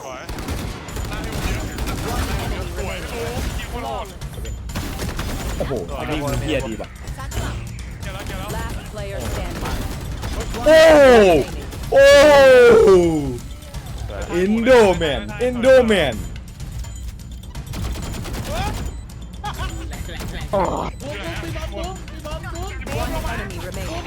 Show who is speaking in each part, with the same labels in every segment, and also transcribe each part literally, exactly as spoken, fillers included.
Speaker 1: สวยหน้าที่ผมเยอะสวยโอ้ยิงโคตรโหด
Speaker 2: โอ้โหอันนี้มันเฮียดีป่ะ
Speaker 1: เกี่ยวแล้วเกี่ยวแล้ว
Speaker 3: Last player standing.
Speaker 2: โอ้โอ้อินโดแมนอินโดแมน
Speaker 3: One enemy remaining.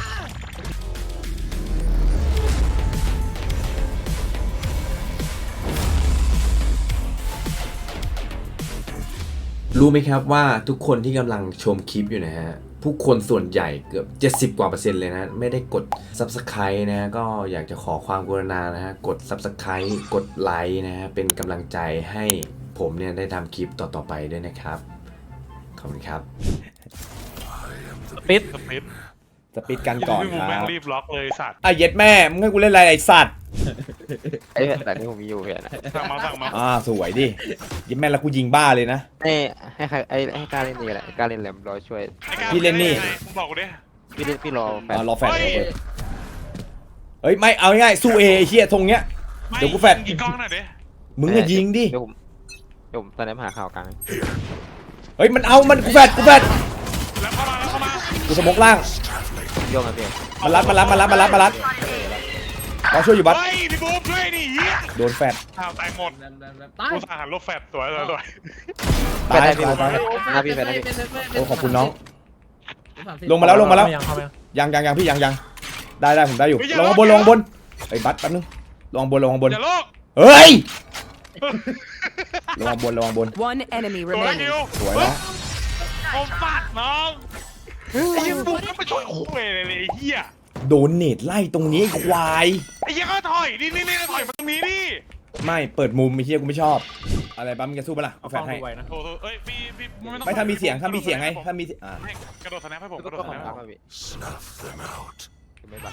Speaker 4: รู้ไหมครับว่าทุกคนที่กำลังชมคลิปอยู่นะฮะผู้คนส่วนใหญ่เกือบเจ็ดสิบกว่าเปอร์เซ็นต์เลยนะไม่ได้กด Subscribe นะฮะก็อยากจะขอความกรุณานะฮะกด Subscribe กดไลค์นะฮะเป็นกำลังใจให้ผมเนี่ยได้ทำคลิปต่อๆไปด้วยนะครับขอบคุณครับ
Speaker 1: สปิดสปิด
Speaker 2: สปีดกันก่อน
Speaker 1: พี่
Speaker 2: ค
Speaker 1: มูแม่
Speaker 2: รั
Speaker 1: ง
Speaker 2: บ
Speaker 1: รีบล็อกเลยสัตว์
Speaker 2: อ่ะเย็ดแม่มึงให้กูเล่นอะไรไอ้สัตว์
Speaker 5: ไอ้แต่นี่ผมมีอยู่เพื่อน
Speaker 1: สั่งมาสั่งมา
Speaker 2: อ่าสวยดิเย็ดแม่แล้วกูยิงบ้าเลยนะ
Speaker 5: ให้ให้ใครไอ้ให้การเล่นนี่แหละการเล่นแหลมรอช่วย
Speaker 2: พี่เล่นนี่
Speaker 1: บอกกูดิ
Speaker 5: พี่เล่นพี่รอแฟน
Speaker 2: อ่ารอแฟดเฮ้ยไม่เอาง่ายๆสู้เอไอ้เฮียทรงเนี้ย เดี๋ยวกูแฟด
Speaker 1: ยิงกล้องหน่อยดิ
Speaker 2: มึงอะยิงดิ
Speaker 5: เดี๋ยวผมเดี๋ยวผมตอนนี้มาหาข่าวกลาง
Speaker 2: เฮ้ยมันเอามันกูแฟดกูแฟด
Speaker 1: แล้วเข้ามาแล้วเข้ามา
Speaker 2: กูสมกล่าง
Speaker 5: โยงกันพี่
Speaker 2: มารัดมารัดมารัดมารัดมารัดเราช่วยอยู่บัส
Speaker 1: เฮ้ยพี่บูมช่วยดิเฮีย
Speaker 2: โดนแฟด
Speaker 1: อ้าวตายหมดกูสาหันลบแฟดสวยสวยสวย
Speaker 2: ตาย
Speaker 5: ได้
Speaker 2: ตาย
Speaker 5: พี่
Speaker 2: ตาย
Speaker 5: หน้าพี่แฟนหน้าพี่
Speaker 2: โอ้ขอบคุณน้องลงมาแล้วลงมาแล้วยังยังยังพี่ยังยังได้ได้ผมได้อยู่ลงมาบนลงมาบนไอ้บัสแป๊บนึงลงมาบนลงมาบน
Speaker 1: อย่าโลก
Speaker 2: เฮ้ยลงมาบนลงมาบน
Speaker 3: One enemy
Speaker 1: สวย
Speaker 3: remaining.
Speaker 1: คิว
Speaker 2: สวยแล้ว
Speaker 1: ผมฟาดน้องไอ้เหี้ยบูมก็ไม่ช่วยคุยเลยไอ้เหี้ย
Speaker 2: โดนเนตไล่ตรงนี้ไอ้ควาย
Speaker 1: ไอ้เหี้ยก็ถอยนี่นี่นี่ถอยมาตรงนี้ดิ
Speaker 2: ไม่เปิดมุมไอ้เฮียกูไม่ชอบอะไรบ้างมึงจะสู้ปะล่ะเอาแฟดให้
Speaker 1: โอ้โหเอ้ยพี่พี่ไม่ต้อง
Speaker 2: ไม่ถ้ามีเสียงถ้ามีเสียงไงถ้ามีอ่า
Speaker 1: ให้กระโดดสแนปให้ผมกระโดด
Speaker 5: ก็
Speaker 1: ส
Speaker 5: ขอ
Speaker 1: แน
Speaker 5: ง
Speaker 1: ป
Speaker 5: กลางพี่ไม่บัง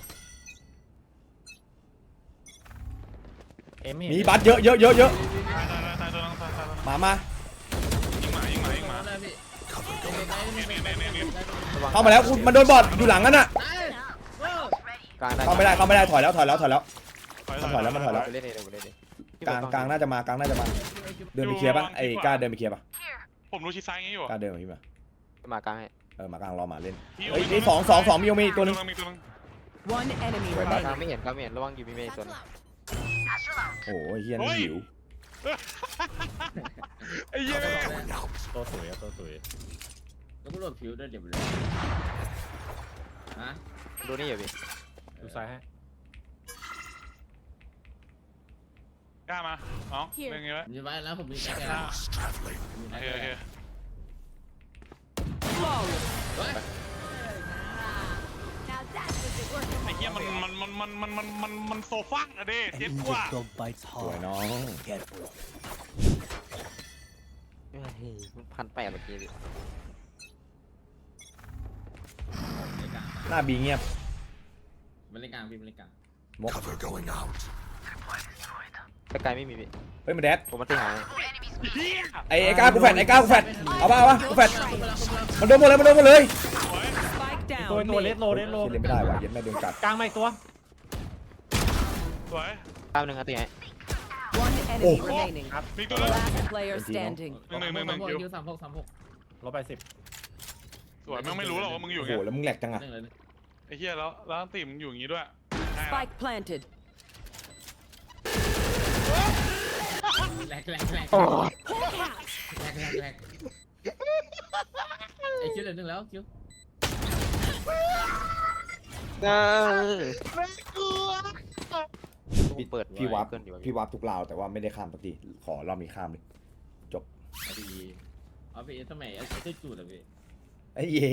Speaker 2: มีบัสเยอะเยอะเยอะเยอะ
Speaker 1: ตายตายตายตัวนึงตายตาย
Speaker 2: มามา
Speaker 1: ยิงหมายิงหมายิงหมานี่นี่นี่นี่
Speaker 2: เข้ามาแล้วกูมันโดนบอดอยู่หลังนั่นน่ะ
Speaker 5: กลางได้
Speaker 2: เข้าไม่ได้เข้าไม่ได้ถอยแล้วถอยแล้วถอยแล้ว
Speaker 1: ถอย
Speaker 2: ถอยแล้วมันถอยแล้ว
Speaker 5: ไปเล่นเองไปเล่นเอง
Speaker 2: กลางกลางน่าจะมากลางน่าจะมาเดินไปเคลียร์ปะไอ้กล้าเดินไปเคลียร์ปะ
Speaker 1: ผมรู้ชิดซ้ายงี้อยู่
Speaker 2: กล้าเดินมาพี่มาม
Speaker 5: ากลางให้
Speaker 2: เออมากลางรอหมาเล่นเฮ้ยนี่สองสองสองมีโยมีตัวนึง
Speaker 1: มีตัวนึง
Speaker 3: One enemy
Speaker 5: กลาง
Speaker 3: remaining.
Speaker 5: ไม่เห็นกลางไม่เห็นระวังยูมีเมย์ตัวนึง
Speaker 2: โอ้ยเฮียนั่นหิว
Speaker 1: ไอ้เหี้ย
Speaker 6: ตัวสวยอะตัวสวยแล้วก็โหลดผิวด้วยเดี๋ยวเลยฮะ
Speaker 5: ดูนี่อยู่พี่
Speaker 6: ดูซ้ายให้
Speaker 1: กล้ามาน้องเรื่องนี้ไว้
Speaker 6: ผมจะไว้แล้วผมมีแค่แค่
Speaker 1: โอเคโอเค ไอ้เหี้ยมันมันมันมันมันมันมันมันโซฟังอะเด้เจ็บกว่า
Speaker 2: สวยน้อง
Speaker 5: มันพันแปดเมื่อกี้พี่
Speaker 2: หน้าบีเงียบ
Speaker 6: มันเล่นกลางพี่มันเล่นกลาง
Speaker 2: มก
Speaker 5: ถ้าไกลไม่มีพี่
Speaker 2: เฮ้ยมาแดด
Speaker 5: ผมมันตีหาย
Speaker 2: ไอ้ไอ้ก้ากูแฟดไอ้ก้ากูแฟดเอาป่ะเอาป่ะกูแฟดมันโดนหมดเลยมันโดนหมดเลย
Speaker 3: Spike
Speaker 6: ตัว
Speaker 3: down.
Speaker 6: ตัวเลส
Speaker 3: Mid.
Speaker 6: โลเลสโล
Speaker 2: เล่นไม่ได้ว่ะเย็นแม่โดนกัด
Speaker 6: กลางมาอีกตัว
Speaker 1: สวย
Speaker 5: กลางหนึ่งครับตีหาย
Speaker 3: One enemy remaining.
Speaker 1: มีตัวนึง
Speaker 3: Last player standing.
Speaker 1: หนึ่งหนึ่งหนึ่งหนึ่งคิว
Speaker 6: คิวสามหกสามหกลบไปสิบ
Speaker 1: สวยมึงไม่รู้หรอกว่ามึงอยู่
Speaker 2: โอ้โห
Speaker 1: เงี้ย
Speaker 2: แล้วมึงแหลกจังอะ
Speaker 6: หนึ่งเลย
Speaker 1: ไอ้เหี้ยแล้วแล้วตีมึงอยู่อย่างงี้ด้วย
Speaker 3: Spike planted.
Speaker 6: แหลกแหลกแหลกแหลกแหลกแหลกไอคิวเหลือหนึ่งแล้วคิว
Speaker 2: พี่
Speaker 5: เปิด
Speaker 2: พี่วับ
Speaker 5: เกินอยู่
Speaker 2: พี่วับทุกราวแต่ว่าไม่ได้ข้ามสักทีขอรอบนี้ข้ามเลย
Speaker 6: เอาดีเอาไปทำไมเอาเจ้าจูดอะพี่
Speaker 2: ไอ้เย่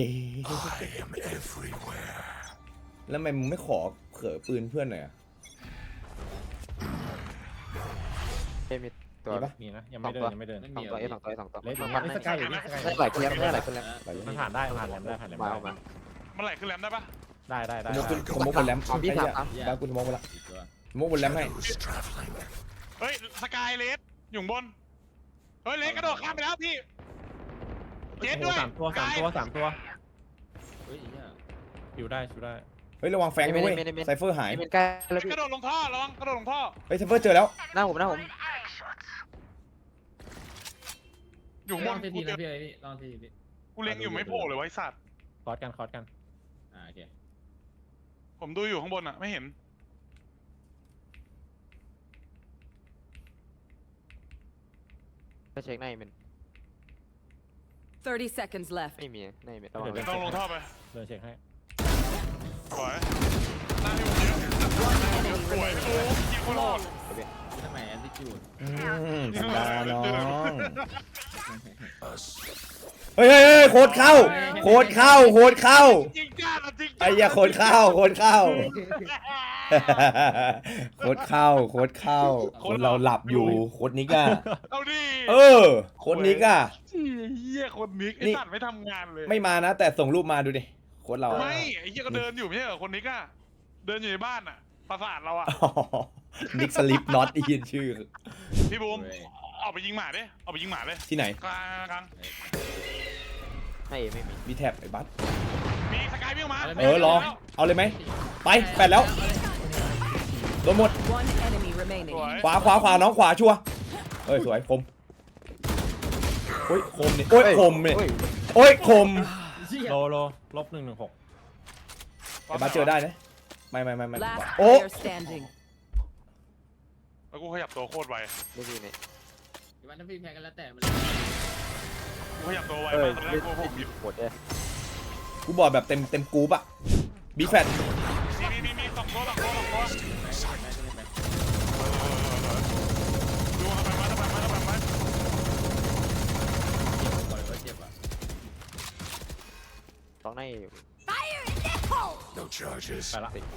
Speaker 2: แล้วทำไมมึงไม่ขอเขอปืนเพื่อนหน่อยอะ
Speaker 5: เอ้ยมีตัว
Speaker 2: มีปะ
Speaker 6: มีนะยังไม่เดินยังไม่เดิน
Speaker 5: สองตัวเอ้ยสองตัวสองตัว
Speaker 6: เล็ก
Speaker 5: มัน
Speaker 6: มันสกายอยู่นี่สกาย
Speaker 5: ได้หลายคนแล้วได้หลายคนแล้ว
Speaker 6: มันผ่านได้ผ่านแหลมได้ผ่านแหลม
Speaker 5: มา
Speaker 6: ได้
Speaker 5: เอามา
Speaker 1: มันไหลขึ้นแรมได้ปะ
Speaker 6: ได้ได้ได้
Speaker 2: สมมติสมมติบนแรม
Speaker 5: เอาพี่
Speaker 2: ไอ้
Speaker 5: ถาม
Speaker 2: เหี้ย
Speaker 5: ครับ
Speaker 2: บ้ากูสมมติบนละ
Speaker 6: อีกตัว
Speaker 2: สมมติบนแรมให้
Speaker 1: เฮ้ยสกายเลสอยู่บนเฮ้ยเลสกระโดดข้ามไปแล้วพี่เจ็ดด้วย
Speaker 6: สามตัวสามตัวสามตัวเฮ้ยอยู่ได้อยู่ได้
Speaker 2: เฮ้ยระวังแฟงนะเว้ยไซเฟอร์หาย
Speaker 5: เป็นใกล้แล้วพี่
Speaker 1: กระโดดลงท่อระวังกระโดดลงท่อ
Speaker 2: เฮ้ยไซเฟอร์เจอแล้ว
Speaker 5: หน้าผมหน้าผม
Speaker 1: อยู่บ
Speaker 6: ลอน งที
Speaker 1: กู
Speaker 6: ที
Speaker 1: เจ
Speaker 6: นะ
Speaker 1: อ
Speaker 6: พี่ไอ้พี่ลองทีทีพี่
Speaker 1: กูเล็งอยู่ไม่โผล่เลยไว้สัตว์
Speaker 7: คอร์สกันคอร์สกัน
Speaker 6: อ่าโอเค
Speaker 1: ผมดูอยู่ข้างบนอ่ะไม่เห็น
Speaker 5: ไปเช็คหน้าเป็น
Speaker 3: thirty seconds left.
Speaker 5: ไม่มีหน้าเป็นระวัง
Speaker 1: ต้องลงท่อไป
Speaker 7: เดินเช็คให้
Speaker 1: สวยหน้าที่ผมเยอะสวยโอ้ยยิงโคตรโหด
Speaker 6: ทำไมแอนติจูด
Speaker 2: อืมธรรมดาน้องเฮ้ยเฮ้ยเฮ้ยโคตรเข้าโคตรเข้าโคตรเข้า
Speaker 1: จริงจ้าจริงจ้า
Speaker 2: ไอ้เหี้ยาโคตรเข้าโคตรเข้าโคตรเข้าโคตรเข้าคนเราหลับอยู่โคตรนิกอะ
Speaker 1: เอาดิ
Speaker 2: เออโคตรนิกอะ
Speaker 1: เฮียคนนิกไอ้
Speaker 2: นี่
Speaker 1: สัตว์ไม่ทำงานเลย
Speaker 2: ไม่มานะ แต่ส่งรูปมาดูดิโคตรเราอะ
Speaker 1: ไม่ไอ้เฮียก็เดินอยู่ไม่ใช่เหรอคนนิกอะเดินอยู่ในบ้านอะประสาทเราอะ
Speaker 2: อ๋อนิกสลิปน็อตอีนชื่อ
Speaker 1: พี่บูมออกไปยิงหมาดิออกไปยิงหมาเลย
Speaker 2: ที่ไหน
Speaker 1: กลางกลาง
Speaker 5: ไม่ไม่มี
Speaker 2: มีแท็บไอ้บัส
Speaker 1: มีสกายวิ่งมา
Speaker 2: เออรอเอาเลยไหมไปแปดแล้วโดนหมด
Speaker 3: One enemy remaining.
Speaker 1: สวย
Speaker 2: ขวาขวาขวาน้องขวาชัวร์เอ้ยสวยคมโอ้ยคมเนี่ยโอ้ยคมเนี่ยโอ้ยคม
Speaker 7: โลโลลบหนึ่งหนึ่งหก
Speaker 2: ไอ้บัสเจอได้นะไม่ไม่ไม่ไม่
Speaker 3: Last
Speaker 2: โอ้
Speaker 3: player standing.
Speaker 1: แล้วกูขยับตัวโคตรไว
Speaker 5: ไม่มีเนี่ย
Speaker 6: วันนั้นพี่แพ้กันแล้วแต่มัน
Speaker 1: กูขยับตัวไว
Speaker 5: เอ้
Speaker 1: มาย กตอนแรกกูผมหยิบ
Speaker 5: หมดเลย
Speaker 2: กูบอกแบบเต็มเต็มกรูปอะบีแฟต
Speaker 1: มีมีมีมีสองตัวสองตัวสองตัวดูทำไมมาทำไมมาทำไมมา
Speaker 6: ปล่อยไว้เจ็บอ่ะ
Speaker 5: ต้องในอยู่
Speaker 7: ไปละ
Speaker 5: ติด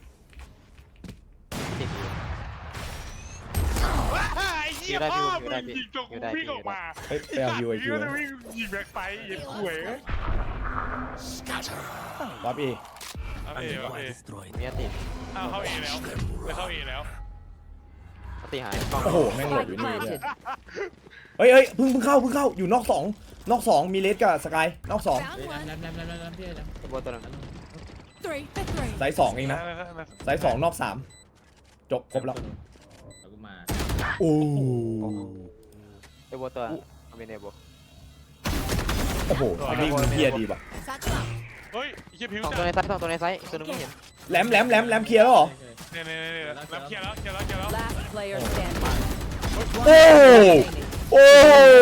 Speaker 1: ไอ้เหี้ยพ่อมึงยิงจนกูวิ่งออกมา
Speaker 2: เฮ้ยไปเอาฮิวไอคิว
Speaker 1: จะวิ่งยิงแบ็คไฟยิงขวย
Speaker 2: รับอี
Speaker 1: โอเคโอเค
Speaker 5: มีอติ
Speaker 1: อ้าวเข้าเอแล้วไปเข้าเอแล้ว
Speaker 5: อติหายกล้อง
Speaker 2: โอ้โหแม่งหลบอยู่
Speaker 3: Spike
Speaker 2: นี่เลย
Speaker 3: planted.
Speaker 2: เฮ้ยเฮ้ยเพิ่งเพิ่งเข้าเพิ่งเข้าอยู่นอกสองนอกสองมีเลสกับสกายนอกสอง
Speaker 6: เฮ้ยน้ำน้ำน้ำน้ำน้ำพี่น้ำ
Speaker 5: ตัวตัวนึง
Speaker 3: Three. Three.
Speaker 2: ไซส์สองเองนะไซส์สองนอกสามจบครบแล้ว
Speaker 6: แล้วกูมา
Speaker 2: โอ้
Speaker 5: ไอ้บัวตัวไม่เนบัว
Speaker 2: โอ้โหอันนี้มันเพียดีป่ะ
Speaker 1: เฮ้ยไอ้เหี้ยผิว
Speaker 5: สอง
Speaker 1: จั
Speaker 5: ตัว
Speaker 1: ด
Speaker 5: ในไซส์สองตัวในไซส์ตัวนึงไม่เห็น
Speaker 2: แหลมแหลมแหลมแหลมเคลียร์แล้วเหรอ
Speaker 1: เนี่ยเนี่ยเนี่ยแล้วเคลียร์แล้วเคลียร์แล้วเคลียร์แล้ว
Speaker 3: Last player standing.
Speaker 2: โอ้
Speaker 3: Remaining.
Speaker 2: โอ้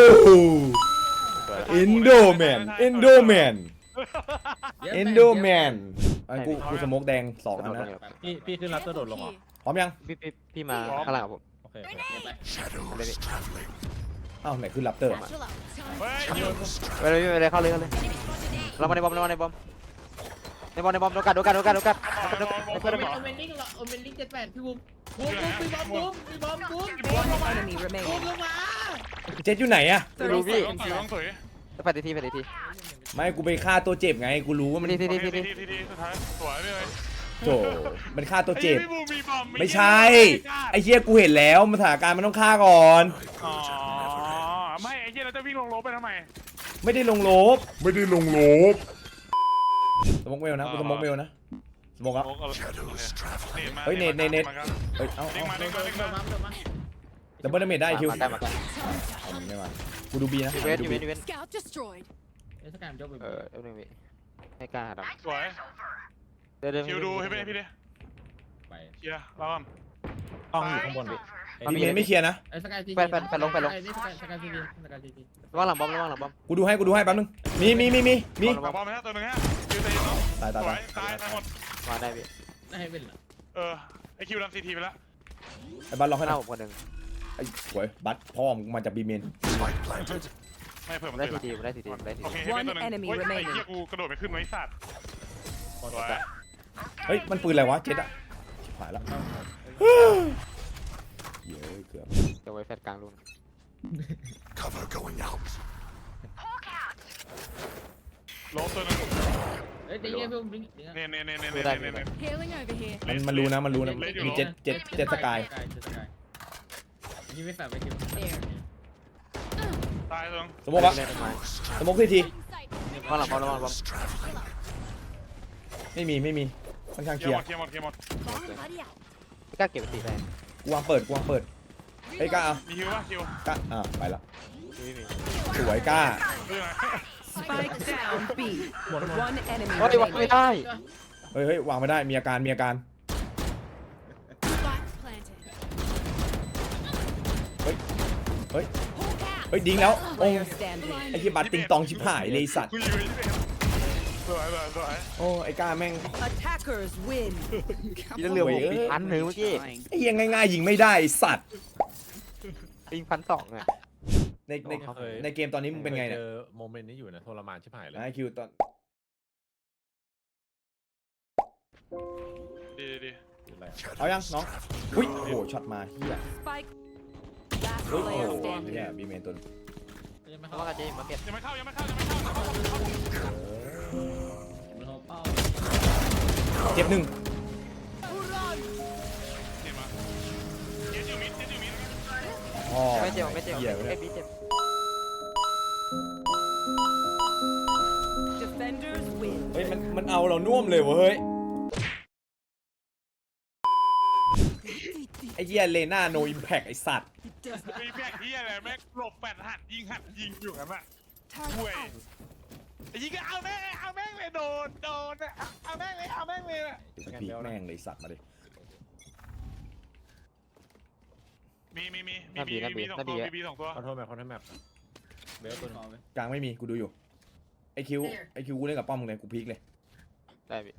Speaker 2: อินโดแมนอินโดแมนอินโดแมนอันกูกูสโมกแดงสองอันนะ
Speaker 7: พี่พี่ขึ้นรับตัวโดดลงเหรอ
Speaker 2: พร้อมยัง
Speaker 5: พี่พี่พี่มาข้างหลังผม
Speaker 7: โอเค
Speaker 6: ไป
Speaker 5: เลยพี่
Speaker 2: อ้าวไหนคือลับเตอร์
Speaker 1: เฮ้ยอยู่
Speaker 5: ไปเลยไปเลยเข้าเลยเข้าเลยเรามาในบอมเรามาในบอมในบอมในบอมโดนกัดโดนกัดโดนกัดโดนกัด
Speaker 6: โอเมนโอเมนลิงโอเมนลิงเจ็ดแปดพี่บุ้มบุ้มบุ้มพี่บอมบุ้มพี่บอมบุ้ม
Speaker 3: One enemy
Speaker 6: บุ้ม
Speaker 3: remaining.
Speaker 6: ลงมา
Speaker 2: เจ็ดอยู่ไหนอะ
Speaker 3: Thirty
Speaker 1: ต้อง
Speaker 3: seconds
Speaker 1: ตุ๋ยต้อง
Speaker 3: left.
Speaker 1: ตุ๋ย
Speaker 5: ไปตีทีไปตีที
Speaker 2: ไม่กูไปฆ่าตัวเจ็บไงกูรู้ว่ามัน
Speaker 5: ทีที
Speaker 1: ที
Speaker 5: ที
Speaker 1: ที
Speaker 5: ที
Speaker 1: ทีทีสุดท้ายสวยเลย
Speaker 2: โจมันฆ่าตัวเจ็บ
Speaker 1: ไอ้พี่บูมีบอม
Speaker 2: ไม่ใช่ไอ้เหี้ยกูเห็นแล้วมันสถานการณ์มันต้องฆ่าก่อน
Speaker 1: อ๋อไม่ไอ้เหี้ยเราจะวิ่งลงรถไปทำไม
Speaker 2: ไม่ได้ลงลบไม่ได้ลงลบสโมกเวลนะกูสโมกเวลนะสโมกแล้ว เฮ้ยเนตเนตเนต เฮ้ยเอา
Speaker 1: เด้ง
Speaker 2: เอา
Speaker 1: มาเด้งมาเด้ง
Speaker 6: เดิน
Speaker 1: มา
Speaker 6: มาเดินมา
Speaker 2: ดับเบิลดาเมจได้คิว
Speaker 5: มาได้มาได้
Speaker 2: เอามันไม่มากูดูบีนะ
Speaker 5: ยูเวน
Speaker 2: ดู
Speaker 5: ยูเว
Speaker 2: บี
Speaker 5: นยูเวน
Speaker 3: Scout destroyed.
Speaker 6: เอ้ยสกายมันยกไป
Speaker 5: เออเอฟหนึ่งวิให้กล้าหาด
Speaker 1: สวย
Speaker 5: ำเดินเดิน
Speaker 1: คิวดูให้พี่พี่ดิ
Speaker 6: ไป
Speaker 1: เคลียร์รอก่อน
Speaker 7: กล้องอยู่ข้างบนพี่
Speaker 2: บีเมนไม่เคลียร์นะ
Speaker 6: ไอ้สกายที
Speaker 5: ไปไปไปลงไปลง
Speaker 6: นี่สกายสกายทีทีสกายทีที
Speaker 5: ระวังหลังบอมระวังหลังบอม
Speaker 2: กูดูให้กูดูให้แป๊บนึงมีมีมีมีมี
Speaker 1: บอลไปฮะตัวหนึ่งฮะคิวเตะเนาะ
Speaker 2: ตาย
Speaker 1: ส
Speaker 2: ตาย
Speaker 1: วย
Speaker 2: ตาย
Speaker 1: ตายตายหมด
Speaker 5: มาได้พี่
Speaker 6: ได้ให้เป็นเหรอ
Speaker 1: เออไอคิวรันซีทีไปแล้ว
Speaker 2: ไอ้บัตรล็อก
Speaker 5: ข้า
Speaker 2: ให้
Speaker 5: งห
Speaker 2: ห
Speaker 5: น้า
Speaker 2: น่อย
Speaker 5: ผมคนหนึ่ง
Speaker 2: ไอ้สวยบัตรพ่อมึงมาจากบีเมน
Speaker 1: ไม่เพิ่ม
Speaker 5: ผม
Speaker 1: มัน
Speaker 5: ได้
Speaker 1: ติด
Speaker 5: ทีทีผมได้ทีทีผมได้ที
Speaker 1: โอ
Speaker 5: ที
Speaker 1: เคให้เป็นตัวหนึ่งเฮ้ยไอ้เหี้ยกูกระโดดไปขึ้นไว้สัตว์สวย
Speaker 2: เฮ้ยมันปืนอะไรวะเจ็ดอะชิบหายแล้วเยอะเกือบ
Speaker 5: จะไว้แฟดกลางรุ่น
Speaker 1: ลบตัวหนึ่ง
Speaker 6: เฮ้ยตีเงี้ยพี่บุ้มลิง
Speaker 1: เนี่ยเนี่ยเนี่ยเนี่ยเนี่ยเนี่ย
Speaker 3: Healing over here.
Speaker 2: มันมันรู้นะมันรู้นะมีเจ็ดเจ็ดเจ็ดสกาย
Speaker 6: เจ็ดสกายยิงไม่แฝงไปคิว
Speaker 1: ตายตรง
Speaker 2: สโมกละ
Speaker 5: เล่นต้นไม้
Speaker 2: สโมกทีที
Speaker 5: ระวังหลังบอมระวังหลังบอม
Speaker 2: ไม่มีไม่มีค่อนข้าง
Speaker 1: เค
Speaker 2: เค
Speaker 1: ลี
Speaker 2: ลี
Speaker 1: ย
Speaker 2: ย
Speaker 1: ร์
Speaker 2: ร์
Speaker 1: หมดเคลียร์หมดเคลียร์หมด
Speaker 3: Bomb buddy out.
Speaker 5: ไม่กล้าเก็บตีได้
Speaker 2: กูวางเปิดกูวางเปิดเฮ้ยกล้าเอา
Speaker 1: มีฮิวป่ะฮิว
Speaker 2: กล้าอ่ะไปละ
Speaker 5: ไม่มี
Speaker 2: สวยกล้า
Speaker 1: เรื่องอะไร
Speaker 3: Spike down B. One enemy
Speaker 5: เฮ้ยวางไม่
Speaker 3: remaining.
Speaker 5: ได้
Speaker 2: เฮ้ยเฮ้ยวางไม่ได้มีอาการมีอาการ
Speaker 3: Spike planted.
Speaker 2: เฮ้ยเฮ้ย
Speaker 3: Hawk out.
Speaker 2: เฮ้ยดิ้งแล้วโอ้
Speaker 3: Player standing.
Speaker 2: ไอ้ที่บัตรติงตองชิบหายเลยไอ้สัตว์
Speaker 1: กูอยู่ที่เป็นสวยสวยสวย
Speaker 2: โอ้ไอ้กล้าแม่ง
Speaker 3: Attackers win.
Speaker 5: พี่เหลือผมปีพันหนึ่งเมื่อกี้
Speaker 2: ไอ้ยังง่ายๆยิงไม่ได้ไอ้สัตว์
Speaker 5: ปิงพันสองอ่ะ
Speaker 2: ในใน
Speaker 7: เคย
Speaker 2: ในเกมตอนนี้มึงเป็นไงเนี่ย
Speaker 7: คจอโมเมนต์นี้อยู่นะทรมานชิบหายเลย
Speaker 2: ไอคิวตอน
Speaker 1: ดีดี
Speaker 7: คืออะไร
Speaker 2: เอายังน้องอุ้ยโอ้โหช็อตมาเฮีย
Speaker 3: Spike. Last
Speaker 2: เฮ้ยโอ้
Speaker 3: player
Speaker 2: โห
Speaker 3: standing.
Speaker 2: เนี่ยบีเมนตัวนึง
Speaker 6: ยังไม่
Speaker 5: เพ
Speaker 6: เข้า
Speaker 5: ราะว่ากันเจมาเก็ต
Speaker 1: ยังไม่เข้ายังไม่เข้ายังไม่เข้ายังไม่เข้า
Speaker 6: มันโทรเป้า
Speaker 2: เจ็บหนึ่ง
Speaker 1: เห็นมาเจ็ดอยู่มิดเจ็ดอยู่มิด
Speaker 2: อ๋อ
Speaker 5: ไม่เจ็บไม่เจ็บ
Speaker 2: เหี้ยไป
Speaker 5: ไอ้
Speaker 2: เนี่ย
Speaker 5: บีเจ็บ
Speaker 3: Defenders win.
Speaker 2: เฮ้ยมันมันเอาเราน่วมเลยวะเฮ้ยไอ้เหี้ยเลน่าโนอิมแพกไอ้สัตว์
Speaker 1: มีแพกที่อะไรแม่งหลบแปดหันยิงหันยิงอยู่กันอะห่วยไอ้ยิงก็เอาแม่งเอาแม่งเลยโดนโดนอะเอาแม่งเลยเอาแม่งเลยอะ
Speaker 2: เดี๋ยวกูพีกแม่งเลยสัตว์มาดิ
Speaker 1: มีมีมีมีมีมีสองตัวมีมีสองตัว
Speaker 7: ขอโทษแมปขอโทษแมปเบลตัวนึง
Speaker 2: กลางไม่มีกูดูอยู่ไอคิวไอคิวกูเล่นกับป้อมมึงเลยกูพีกเลย
Speaker 5: ได้พี่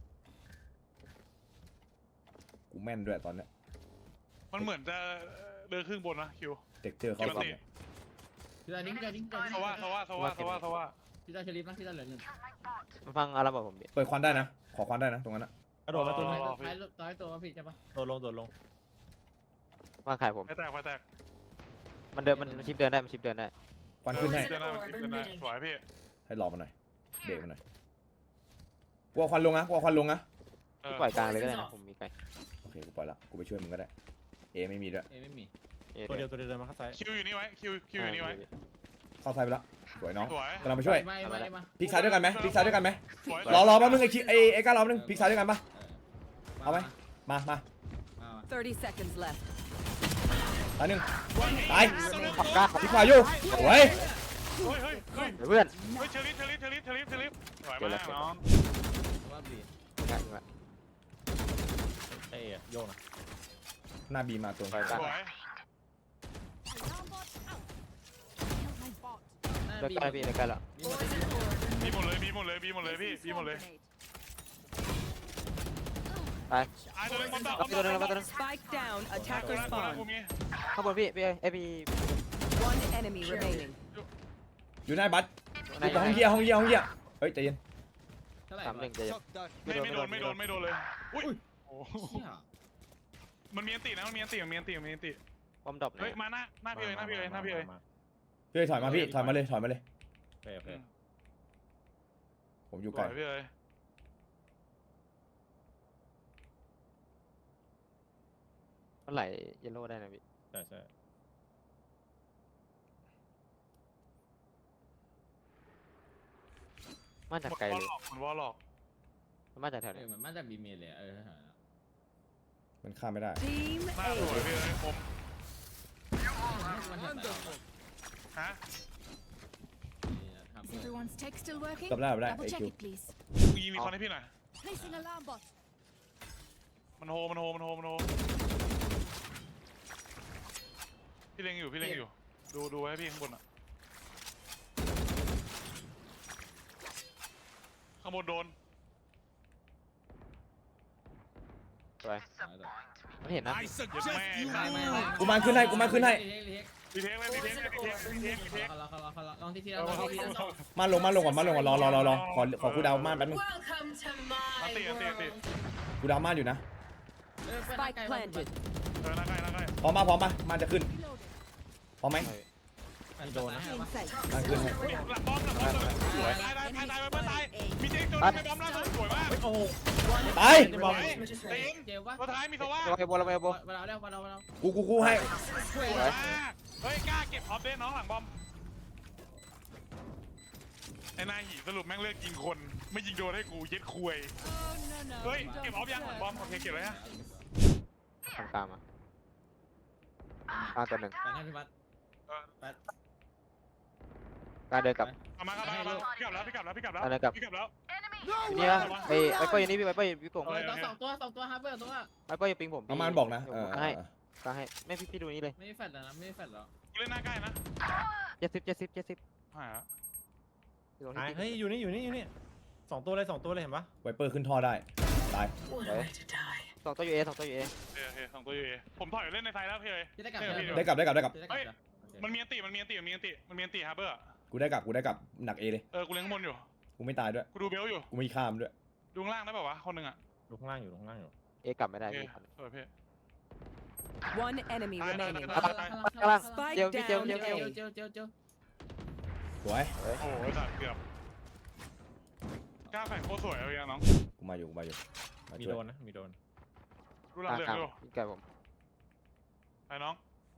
Speaker 2: กูแม่นด้วยตอนเนี้ย
Speaker 1: มันเหมือนจะเดินครึ่งบนนะคิว
Speaker 2: เด็กเจอเข้าป้อมเนี่ย
Speaker 6: พี่ตาดิ้งพี่ตาดิ้งพี่ตาดิ้ง
Speaker 1: สว่าสว่าสว่าสว่าสว่า
Speaker 6: พี่ตาเชลิฟนะพี่ตาเหลือหนึ่ง
Speaker 5: มาฟังอาราบอกผมดิ
Speaker 2: เปิดควันได้นะขอควันได้นะตรงนั้นนะ
Speaker 7: กระโดดมาตัวนึง
Speaker 6: ท้ายท้ายตัวผิดใช่ปะ
Speaker 7: โดดลงโดดลง
Speaker 5: ฟังขายผม
Speaker 1: ไฟแตกไฟแตก
Speaker 5: มันเดินมันชิปเดินได้มันชิปเดินได้
Speaker 2: ควันขึ้นให้
Speaker 1: เดินหน้าเดินหน้าสวยพี่
Speaker 2: ให้รอมันหน่อยเบรกมันหน่อยกลัวควันลงนะกลัวควันลงนะ
Speaker 1: เออ
Speaker 5: ปล่อยกลางเลยก็ได้นะผมมีไกล
Speaker 2: โอเคกูปล่อยละกูไปช่วยมึงก็ได้เอไม่มีด้วย
Speaker 6: เอ้ไม่มี
Speaker 5: เอ๊ะ
Speaker 7: ตัวเดียวตัวเดียวเดินมาข้างซ้าย
Speaker 1: คิวอยู่นี่ไว้คิวคิวอยู่นี่ไว้
Speaker 2: เข้าซ้ายไปละสวยน้อง
Speaker 1: สวย
Speaker 2: กำลังไปช่วย
Speaker 6: ไม่ไม่มา
Speaker 2: พลิกซ้ายด้วยกันไหมพลิกซ้ายด้วยกันไหม
Speaker 1: สวย
Speaker 2: รอรอแป๊บนึงไอ้คิไอ้ไอ้ก้ารอแป๊บนึงพลิกซ้ายด้วยกันปะเอาไหมมามา
Speaker 3: thirty seconds left.
Speaker 2: ตายหนึ่งตาย
Speaker 5: ขับกล้า
Speaker 2: พลิกขวาอยู่สวย
Speaker 1: เฮ้ยเฮ้ยเฮ้ย
Speaker 5: เพื่อน
Speaker 1: เฮ้ยเชลิฟเชลิฟเชลิฟเชลิฟเชลิฟสวยมากน้อง
Speaker 6: ว่าบี
Speaker 5: ง่ายจริงละ
Speaker 7: เอ้ยโยกนะ
Speaker 2: หน้าบีมาตัว
Speaker 5: ปล่อยกลาง
Speaker 1: สวย
Speaker 5: เลิกใกล้พี่เลิกใกล้แล้ว
Speaker 1: บีหมดเลยบีหมดเลยบีหมดเลยพี่บีหมดเลย
Speaker 5: ตาย
Speaker 1: ไอ้ตัวนึงบอลดอก
Speaker 5: รับตัวนึงรับตัวนึง
Speaker 3: Spike down.
Speaker 1: ตัว
Speaker 3: Attacker
Speaker 1: นั้นตัวนั้น
Speaker 3: spawn.
Speaker 1: กูมี
Speaker 5: ข้างบนพี่พี่ไอพี่
Speaker 3: One enemy remaining.
Speaker 2: อยู่หน้าบัต
Speaker 5: ไหน
Speaker 2: อยู่ห้องเยี่ยห้องเยี่ยห้องเยี่ยเฮ้ยใจเย็น
Speaker 6: เท่าไหร่
Speaker 5: สามหนึ่งใจเย็น
Speaker 1: ไม่ไม่โดนไม่โดนไม่โดนเลยอุ้ยโอ้
Speaker 6: เชี่ย
Speaker 1: มันมีอันตินะมันมีอันติมันมีอันติมันมีอันติ
Speaker 5: บอมดรอป
Speaker 1: เฮ้ยมาหน้าหน้าพี่เลยหน้าพี่เลยหน้าพี่เลย
Speaker 7: มา
Speaker 2: พี่ถอยมาพี่ถอยมาเลยถอยมาเลย
Speaker 7: โอเคโอเค
Speaker 2: ผมอยู่
Speaker 1: ส
Speaker 2: ไกล
Speaker 1: วยพี่เลย
Speaker 5: เมื่อไหร่เยลโล่ได้นะพี่
Speaker 7: ใช่ใช่
Speaker 5: มาจากไกลเลย
Speaker 1: มันวอลล็อก
Speaker 5: มาจากแถว
Speaker 6: เอ
Speaker 5: ไหน
Speaker 6: อเหมือนมาจากบีเมลเลยเออ
Speaker 2: มันข้ามไม่ได้
Speaker 3: Team
Speaker 1: หน้าสวย
Speaker 3: A.
Speaker 1: พี่เลยผม
Speaker 6: มันทำแบบ
Speaker 1: ฮะ
Speaker 6: ทำ
Speaker 8: Is everyone's tech still working?
Speaker 2: กลับได้กลับได้
Speaker 8: Double
Speaker 2: ไอ
Speaker 8: check
Speaker 2: คิว
Speaker 8: it, please.
Speaker 1: กูยิงมีคอนให้พี่หน่อย
Speaker 8: Placing alarm bot.
Speaker 1: มันโฮมันโฮมันโฮมันโฮพี่เล็งอยู่พี่เล็งอยู่ดูดูไว้ให้พี่ข้างบนอ่ะข้างบนโดน
Speaker 5: ไปไม่เห็นนะ
Speaker 1: เย็ดแม่
Speaker 6: ไม่ไม่
Speaker 2: กูมาขึ้นให้กูมาขึ้นให้
Speaker 1: พี่เทคเลยพี่เทคเลยพี่เทคพี่เทคพี่เทค
Speaker 6: เขาเขาเขาลองที่ที่แล้วลองที่ที่แล้ว
Speaker 2: มาลงมาลงก่อนมาลงก่อนรอรอรอรอขอขอกูดาวม่านแป๊บนึง
Speaker 8: Welcome to
Speaker 1: อัน
Speaker 8: my
Speaker 1: ติอันติอันติ
Speaker 2: กูดาวม่านอยู่นะ
Speaker 3: Spike planted.
Speaker 1: เออหน้าใกล้หน้าใกล้
Speaker 2: พร้อมมาพร้อมมาม่านจะขึ้นพร้อมไหม
Speaker 6: โดนนะ
Speaker 3: Inside.
Speaker 2: ม่านขึ้นให้
Speaker 1: หลังบอมหลังบอมสวยตายตายตายตายไปเพื่อนตายมีเจ๊ตัวนึงในบอมล่าสุดสวยมาก
Speaker 7: โอ้โห
Speaker 2: ตาย
Speaker 1: สวยเต็ง
Speaker 6: เจ็บวะ
Speaker 1: ตัวท้ายมีสว่า
Speaker 5: โอเคโบเราไปโบ
Speaker 6: มาเราแล้วมาเรามาเรา
Speaker 2: กูกูกูให้
Speaker 1: สวยมากเฮ้ยกล้าเก็บออฟเดนน้องหลังบอมไอ้นายหีสรุปแม่งเลือกยิงคนไม่ยิงโดนให้กูเย็ดคุย
Speaker 8: Oh no no.
Speaker 1: เฮ้ย
Speaker 8: you
Speaker 1: เก็บ
Speaker 8: don't
Speaker 1: ออฟยังบอม
Speaker 8: deserve
Speaker 1: โอเคเก็บเลยฮะ
Speaker 5: ทางกลางมาอ่าตัวหนึ่ง
Speaker 6: ไปให้พี่บัส
Speaker 5: กลางเดินกลับ
Speaker 1: เอามาครับมามาพี่กลับแล้วพี่กลับแล้วพี่กลับแล้ว
Speaker 5: อะไรกลับ
Speaker 1: พี่กลับแล้ว
Speaker 5: นี่นะไอ้ไวเปอร์อยู่นี่พี่ไวเปอร์อยู่พี่กง
Speaker 6: เฮ้ยตัวสองตัวสองตัวฮาร์เบอร์ตัว
Speaker 5: ไวเปอร์อยู่ปิงผม
Speaker 2: ประมาณบอกนะ
Speaker 5: เดี๋ยว
Speaker 2: เอ
Speaker 5: ผ
Speaker 2: อ
Speaker 5: มให้กลางให้ไม่พี่พี่ดูนี่เลย
Speaker 6: ไม่ได้แฟดแล้วนะไม่ได้แฟดแล้ว
Speaker 1: กูเล่นหน้าใกล้นะ
Speaker 5: เจ็ดสิบเจ็ดสิบเจ็ดสิบ
Speaker 1: หายแล้ว
Speaker 5: อยู่ตรง
Speaker 7: หาย
Speaker 5: ที่
Speaker 7: เฮ้ยอยู่นี่อยู่นี่อยู่นี่สองตัวเลยสองตัวเลยเห็นปะ
Speaker 2: ไวเปอร์ขึ้นท่อได้ตาย
Speaker 5: สองตัวอยู่เอสองตัวอยู่เอ
Speaker 1: โอเคโอเคสองตัวอยู่เอผมถอยเล่นในไทยแล้วพี่เอ้ย
Speaker 6: พี่ได้กลับ
Speaker 2: ได้กลับได้กลับได้กลับ
Speaker 6: พี่ได้กลับ
Speaker 1: มันมีอันติมันมีอันติมันมีอันติมันมีอันติฮาร์เบอร์
Speaker 2: กูได้กลับกูได้กลับหนักเอเลย
Speaker 1: เออกูเล่นข้างบนอยู่
Speaker 2: กูไม่ตายด้วย
Speaker 1: กูดูเบลอยู่
Speaker 2: กูไม่ข้ามด้วย
Speaker 1: ดูข้างล่างได้ป่าวะคนหนึ่งอ่ะ
Speaker 7: ดูข้างล่างอยู่ดูข้างล่างอยู่
Speaker 5: เอกลับไม่ได้
Speaker 1: โอเค
Speaker 5: พี่
Speaker 1: เออพี่
Speaker 3: One enemy
Speaker 1: Bye, bye,
Speaker 3: remaining.
Speaker 1: bye,
Speaker 5: กำลังกำลัง
Speaker 3: Spike
Speaker 5: เจียวพี่เจียว
Speaker 3: down
Speaker 5: เจียวเจียว
Speaker 3: A.
Speaker 6: เจียวเจียวเจียว
Speaker 2: สวย
Speaker 1: โอ้โหสัตว์เกือบกล้าแฝงโคตรสวยเลยอะน้อง
Speaker 2: กูมาอยู่กูมาอยู่มา
Speaker 7: มี
Speaker 2: ช่วย
Speaker 7: โดนนะมีโดน
Speaker 1: ดูหลัง
Speaker 5: กลาง
Speaker 1: เหลือง
Speaker 5: กลาง
Speaker 1: ดู
Speaker 5: พี่ไก่ผม
Speaker 1: ไปน้อง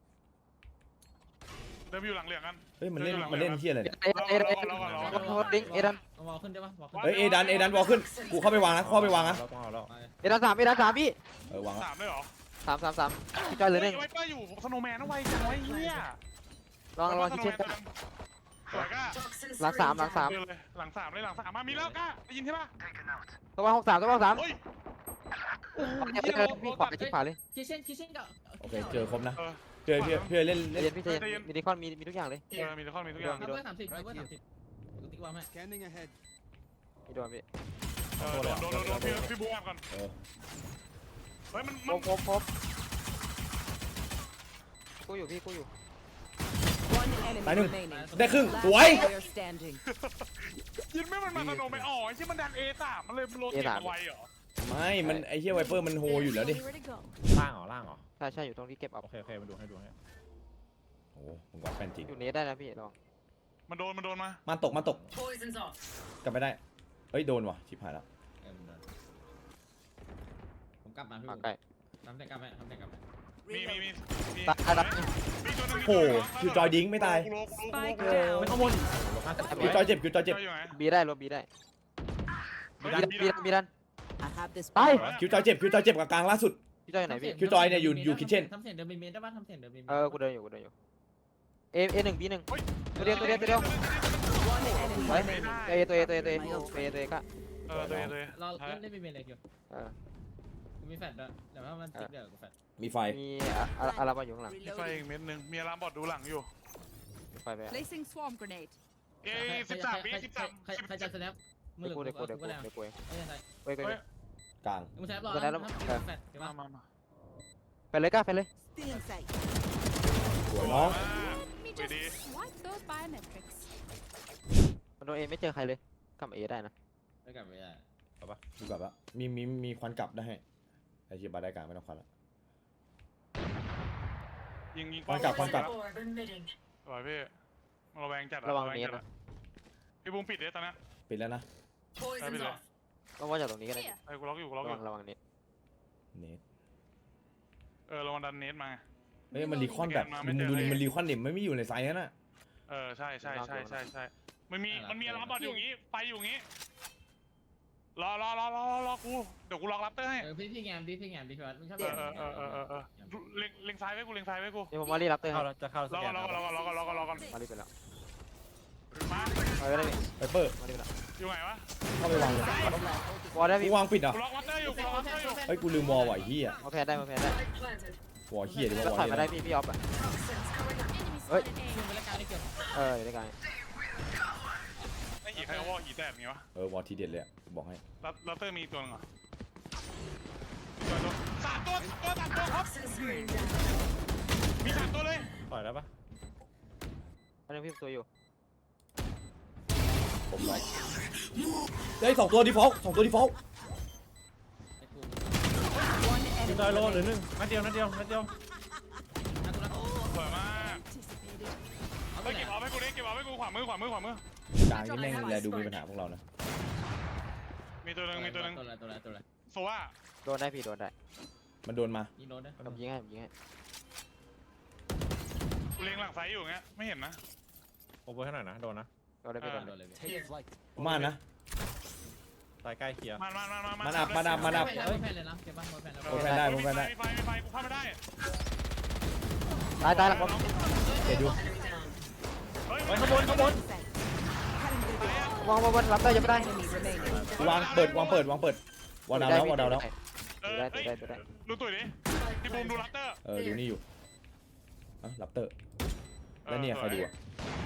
Speaker 1: เดินไปอยู่หลังเหลืองกัน
Speaker 2: เฮ้ยมันเล่นมันเล่นเที่ยอะไรเนี่ย
Speaker 5: เอเอเอ
Speaker 1: รอก่อนรอก่อนรอ
Speaker 5: โค
Speaker 1: ก่อน
Speaker 5: ตรดิ้งเอดัน
Speaker 6: เอาวอลขึ้นได้ปะวอลขึ้น
Speaker 2: เฮ้ยเอดันเอดันวอลขึ้นกูเข้าไปวางนะเข้าไปวางนะ
Speaker 7: เราต้องเอาแล้ว
Speaker 5: เอดันสามเอดันสามพี่
Speaker 2: เออวางละ
Speaker 1: สามเลยเหรอ
Speaker 5: สามสามสามพี่จอยเหลือหนึ่ง
Speaker 1: ไวเปอร์อยู่สโนว์แมนนะไวจังไวะไอ้เฮีย
Speaker 5: ลองลองคิดเช่น
Speaker 1: สวยก้า
Speaker 5: หลังสามหลังสาม
Speaker 1: เดินเลยหลังสามเลยหลังสามมามีแล้วก้าได้ยินใช่ปะ
Speaker 5: ตัวหกสามตัวหกสาม
Speaker 1: เฮ้ย
Speaker 5: พี่ขวาชิดขวาเลย
Speaker 6: คิเช่นคิเช่นกับ
Speaker 2: โอเคเจอครบนะ
Speaker 1: เออ
Speaker 2: เพื่อเพื่อเพื่อเล่น
Speaker 5: เรี
Speaker 2: เล่
Speaker 5: ย
Speaker 2: น
Speaker 5: นพี่เจนมีดิคอนมีมีทุกอย่างเลย
Speaker 1: เออมีทุกคนมีทุกอย่าง
Speaker 6: ฮาร์เบอร์สามสิบฮาร์เบอร์สามสิบกูติ๊กวางให้
Speaker 8: Scanning ahead.
Speaker 5: มีโดนพี่
Speaker 1: เออโดนโดนโดนโดนพี่พี่บูมก่อน
Speaker 2: เออ
Speaker 1: เฮ้ยมัน
Speaker 5: ค
Speaker 1: มั
Speaker 5: ร
Speaker 1: น
Speaker 5: บครบครบกูอยู่พี่กูอยู่
Speaker 3: One enemy
Speaker 2: Tài nưng.
Speaker 3: remaining.
Speaker 2: ได้ครึ่งส
Speaker 3: Last
Speaker 2: วย
Speaker 3: player standing.
Speaker 1: ยินไม่มันมาสโนว์แมนอ๋อไอ้ที่มันดันเอสามมันเลยมันโรเตทเอาไว้เหรอ
Speaker 2: ไม่มันไอ้เหี้ยไวเปอร์มันโฮอยู่แล้วดิ
Speaker 8: Where to go?
Speaker 7: ล่างเหรอล่างเหรอ
Speaker 5: ใช่ใช่อยู่ตรงที่เก็บเอา
Speaker 7: โอเคโอเคมาดูให้ดูให้
Speaker 2: โอ้โหผมว่าแฟนจริง
Speaker 5: อยู่นี้ได้นะพี่ลอง
Speaker 1: มันโดนมันโดนมา
Speaker 2: มาตกมาตกกลับไม่ได้เฮ้ยโดนว่ะชิบหายแล้ว
Speaker 6: เออผมกลับมาพี่
Speaker 5: มาใกล้
Speaker 6: ทำแต่กลับไปทำแต่กลับไป
Speaker 1: มีมีมีมี
Speaker 5: ตายแล้ว
Speaker 1: มีตัวหนึง
Speaker 2: โอ้โหคิวจอยดิ้งไม่ตาย
Speaker 3: Spike
Speaker 2: เออ
Speaker 3: down.
Speaker 7: ไม่ข้างบนลงห้าสิบ
Speaker 2: คิวจอยเจ็บคิวจอยเจ็บ
Speaker 1: อยู่ไหน
Speaker 5: บีได้รวมบีได้
Speaker 1: เฮ้ย
Speaker 5: บีดันบีดัน
Speaker 3: I have this.
Speaker 5: ไป
Speaker 3: power.
Speaker 2: คิวจอยเจ็บคิวจอยเจ็บกับกลางล่าสุด
Speaker 5: พี่จอยอยู่ไหนพี่
Speaker 2: คิวจอยเนี่ยอยู่อยู่ kitchen
Speaker 6: ทำเสียงเดินบีเมนได้ปะทำเสียงเดินบีเมน
Speaker 5: เออกูเดินอยู่กูเดินอยู่เอเอหนึ่งบีหนึ่งตัวเดียวตัวเดียวตัวเดียว
Speaker 3: One enemy
Speaker 5: ไว้
Speaker 3: remaining.
Speaker 5: เอตัวเอตัวเอตัวเอตัวเอตัวเอก็
Speaker 1: เออตัวเองตัวเอง
Speaker 6: เราเล่นได้บีเมนเลยคิว
Speaker 5: เออ
Speaker 6: กูมีแฟดด้วยเดี๋ยวถ้ามันติ๊กเดี๋ยวกูแฟด
Speaker 2: มีไฟ
Speaker 5: มีอะอะไรมาอยู่ข้างหลัง
Speaker 1: มีไฟอีกเม็ดหนึงมีอารามบอดดูหลังอยู่
Speaker 5: ไปไป
Speaker 8: Placing swarm grenade.
Speaker 1: เอ้สิบสามปีสิบสาม
Speaker 6: ใครใครจะสแนปมือ
Speaker 5: เดี๋ยวกูเดี๋ยวกูเดี๋ยว
Speaker 6: กู
Speaker 5: กู
Speaker 6: ได้
Speaker 5: เดี๋ยวกูเอง
Speaker 6: ไม่ใช่ใช่
Speaker 5: เว้ยเว้ย
Speaker 1: เฮ้
Speaker 5: เว้
Speaker 1: ย
Speaker 5: ย
Speaker 2: กลาง
Speaker 6: มึงใช้รอ
Speaker 5: กูได้แล้ว
Speaker 6: แฟดเดี๋ยว
Speaker 1: มา
Speaker 6: มา
Speaker 1: มามา
Speaker 5: ไปเลยก้าไปเลย
Speaker 8: Still in sight.
Speaker 2: สวยน้อง
Speaker 8: Let me
Speaker 1: Wait,
Speaker 8: just
Speaker 1: eh?
Speaker 8: swipe those biometrics.
Speaker 5: มันโดนเอไม่เจอใครเลยกลับเอได้นะ
Speaker 6: ได้กลับไปได้
Speaker 2: ดูกลับละมีมีมีควันกลับได้ให้ไอ้เชียบาได้กลางไม่ต้องควันละ
Speaker 1: ยิงยิง
Speaker 2: ควันกลับควันกลับ
Speaker 1: สวยพี่มันระแวงจัดอ
Speaker 5: ระวัง
Speaker 1: แ
Speaker 5: เนี้ย
Speaker 1: จัด
Speaker 5: นะ
Speaker 1: อะพี่บูมปิดเลยตอนนี้
Speaker 2: ปิดแล้วนะ
Speaker 1: ไปปิดเลย
Speaker 5: ต้องว่าจากตรงนี้ก็ได้
Speaker 8: Here.
Speaker 1: ไอ้กูล็อกอยู่กูล็
Speaker 5: ระ
Speaker 1: อกอ
Speaker 5: วั
Speaker 1: ยู่
Speaker 5: งระวังนี้
Speaker 2: เนท
Speaker 1: เออระวังดันเนสมา
Speaker 2: เฮ้ยมันรีคอนแบบมึงดูดิมันรีคอนดิมันไม่อยู่ในไซส์นั่นน่ะ
Speaker 1: เออใช่ใช่ใช่ใช่ใช่มันมีมันมีอารามบอดอยู่อย่างงี้ไฟอยู่อย่างงี้รอรอรอรอรอกูเดี๋ยวกูล็อกรับเตอร์ให้
Speaker 6: เออพี่พี่แงมดิพี่แงมดิพี่วัดมึงชอบ
Speaker 1: เออเออเออเออเออเล็งเล็งซ้ายไว้กูเล็งซ้ายไว้กู
Speaker 5: เดี๋ยวผมมารีรับเตอร์ค
Speaker 7: เข้า
Speaker 5: รับ
Speaker 7: แล้วจะเข้าร ส
Speaker 1: อ
Speaker 7: แก
Speaker 1: ก่อน
Speaker 7: น
Speaker 1: รอก่อนรอก่อนรอก่อนรอก่อนรอก่อน
Speaker 5: มารีไปแล้ว
Speaker 1: มา
Speaker 5: มาไปได้พี่
Speaker 2: ไวเปอร์
Speaker 5: มารีไปแล้ว
Speaker 1: อยู่ไหนวะ
Speaker 2: เข้าไปวางเลย
Speaker 5: วอลได้
Speaker 2: กู
Speaker 5: พี่
Speaker 2: วางปิดเหรอ่ะ
Speaker 1: กูล็อกรับเตอร์อยู่กูล็อกรับเตอร์อยู่
Speaker 2: เฮ้ยกูลืมวอลไหวเฮีย
Speaker 5: มาแพ้ได้มาแพ้ได้
Speaker 2: วอลเฮียดิ
Speaker 5: แล้ว
Speaker 2: วอล
Speaker 5: ถอย
Speaker 2: เฮี
Speaker 5: มาได้พี่พี่ออฟอ่ะ
Speaker 8: Enemy
Speaker 5: Oi.
Speaker 8: spotted A.
Speaker 6: มึงไปรายการได้เกี่ยว
Speaker 5: เอออยู่ด้วยกัน
Speaker 1: ไอ้หีใครเอาวอลหีแตกอย่างงี้วะ
Speaker 2: เออวอลทีเด็ดเลยอะบอกให้
Speaker 1: รับรับเตอร์มีตัวนึงเหรอตัวตัวสามตัวตัวสามตัวครับมีสามตัวเลย
Speaker 7: ปล่อยแล้วปะ
Speaker 5: อันนึงพี่ตัวอยู่
Speaker 2: ผมล็อกได้ยสองตัวดีฟอลต์สองตัวดีฟอลต์
Speaker 6: ไอ้กู
Speaker 3: One
Speaker 7: มี
Speaker 3: enemy
Speaker 7: จอยโลหรือ
Speaker 3: remaining.
Speaker 7: หนึ่งนัดเดียวนัดเดียวนัดเดียว
Speaker 6: นักกูรัก
Speaker 1: สวยมาก
Speaker 8: Anticipated.
Speaker 6: เอาไป
Speaker 1: เฮ้ย
Speaker 6: ไหน
Speaker 1: เก็บเอาให้กูดิเก็บเอาให้กูขวามือขวามือขวามือก
Speaker 2: ลางนี่แม่งแลดูมีปัญหาพวกเรานะ
Speaker 1: มีตัวหนึงมีตัวหนึง
Speaker 6: ตัวอะไรตัวอะไรตัวอะไร
Speaker 1: โซว่า
Speaker 5: โดนได้พี่โดนได้
Speaker 2: มันโดนมา
Speaker 6: ยิงโดนได้
Speaker 5: ผมยิงให้ผมยิงให้
Speaker 1: กูเล็งหลังไซส์อยู่อย่างเงี้ยไม่เห็นนะ
Speaker 7: โอเวอร์ให้หน่อยนะโดนนะ
Speaker 5: โดนได้พี่โดน
Speaker 6: โด
Speaker 5: ได้
Speaker 6: นเลย
Speaker 2: ม่านนะ
Speaker 7: ตายใกล้เคลียร์
Speaker 1: มันมันมันมัน
Speaker 2: มันอับมันอับมันอับ
Speaker 6: เฮ้ยแผ่นเลยนะเก็บบ้านแผ่นแล้ว
Speaker 2: โอ้แพนได้ผมแพนได้
Speaker 1: มีไฟมีไฟกูเข้าไม่ได้
Speaker 5: ตายตายหลังบอม
Speaker 2: เจ็ดอยู่
Speaker 1: เฮ้ย
Speaker 7: เฮ้ยข้างบนข้างบน
Speaker 5: วางวางวางรับได้ยังไม่ได้
Speaker 3: Enemy remaining.
Speaker 2: วางเปิดวางเปิดวางเปิดวางดาวแล้ววางดาวแล้ว
Speaker 1: เออ
Speaker 5: ได้
Speaker 1: เอ้ย
Speaker 5: ได้ได้
Speaker 1: ดูตุ๋ยดิพี่บูมดูลัตเตอร์
Speaker 2: เอออยู่นี่อยู่อ่ะลับเตอร์แล้วเนี่ยใครดูอ่ะ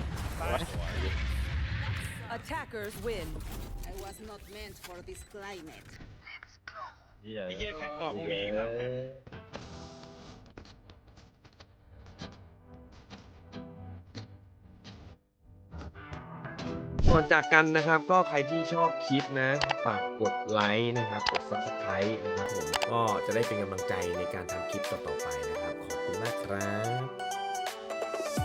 Speaker 3: Attackers win.
Speaker 8: I was not meant for this climate.
Speaker 7: เหี้ย
Speaker 1: ไอ้เหี้ยแค่ตอบพวกนี้ครับ
Speaker 4: ก่อนจากกันนะครับก็ใครที่ชอบคลิปนะฝากกดไลค์นะครับกด ซับสไครบ์ นะครับผมก็จะได้เป็นกำลังใจในการทำคลิปต่อๆไปนะครับขอบคุณมากครับ